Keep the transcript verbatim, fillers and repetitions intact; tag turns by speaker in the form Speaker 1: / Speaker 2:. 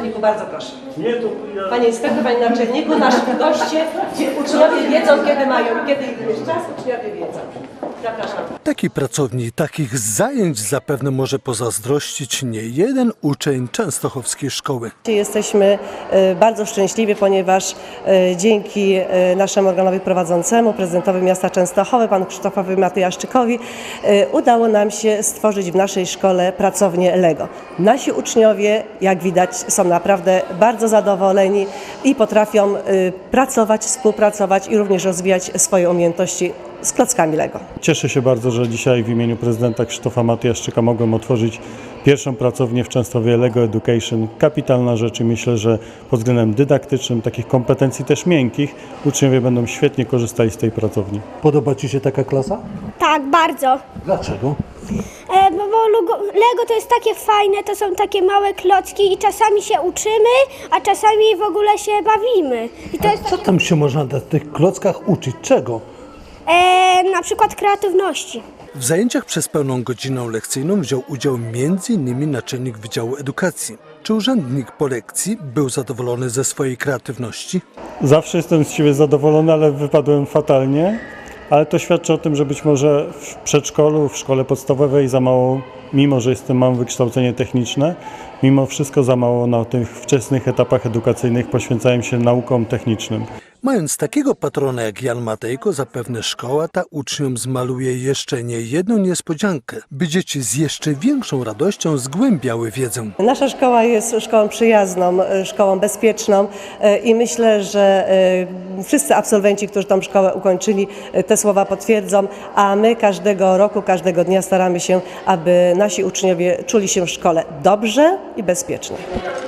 Speaker 1: naczelniku, bardzo proszę.
Speaker 2: Nie, to ja...
Speaker 1: Panie inspektor, panie naczelniku, nasi goście, uczniowie wiedzą, kiedy mają, kiedy jest czas, uczniowie wiedzą. Zapraszam.
Speaker 3: Takiej pracowni, takich zajęć zapewne może pozazdrościć nie jeden uczeń częstochowskiej szkoły.
Speaker 1: Jesteśmy bardzo szczęśliwi, ponieważ dzięki naszemu organowi prowadzącemu, prezydentowi miasta Częstochowy, panu Krzysztofowi Matyjaszczykowi, udało nam się stworzyć w naszej szkole pracownię Lego. Nasi uczniowie, jak widać, są naprawdę bardzo zadowoleni i potrafią pracować, współpracować i również rozwijać swoje umiejętności z klockami Lego.
Speaker 2: Cieszę się bardzo, że dzisiaj w imieniu prezydenta Krzysztofa Matyjaszczyka mogłem otworzyć pierwszą pracownię w Częstochowie Lego Education. Kapitalna rzecz i myślę, że pod względem dydaktycznym, takich kompetencji też miękkich, uczniowie będą świetnie korzystali z tej pracowni.
Speaker 3: Podoba Ci się taka klasa?
Speaker 4: Tak, bardzo.
Speaker 3: Dlaczego?
Speaker 4: E, bo bo Lego, Lego to jest takie fajne, to są takie małe klocki i czasami się uczymy, a czasami w ogóle się bawimy. I to jest
Speaker 3: Co tam się można na tych klockach uczyć? Czego?
Speaker 4: e, na przykład kreatywności.
Speaker 3: W zajęciach przez pełną godzinę lekcyjną wziął udział między innymi naczelnik Wydziału Edukacji. Czy urzędnik po lekcji był zadowolony ze swojej kreatywności?
Speaker 2: Zawsze jestem z siebie zadowolony, ale wypadłem fatalnie. Ale to świadczy o tym, że być może w przedszkolu, w szkole podstawowej za mało, mimo że jestem, mam wykształcenie techniczne, mimo wszystko za mało na tych wczesnych etapach edukacyjnych poświęcałem się naukom technicznym.
Speaker 3: Mając takiego patrona jak Jan Matejko, zapewne szkoła ta uczniom zmaluje jeszcze nie jedną niespodziankę, by dzieci z jeszcze większą radością zgłębiały wiedzę.
Speaker 1: Nasza szkoła jest szkołą przyjazną, szkołą bezpieczną i myślę, że wszyscy absolwenci, którzy tą szkołę ukończyli, te słowa potwierdzą, a my każdego roku, każdego dnia staramy się, aby nasi uczniowie czuli się w szkole dobrze i bezpiecznie.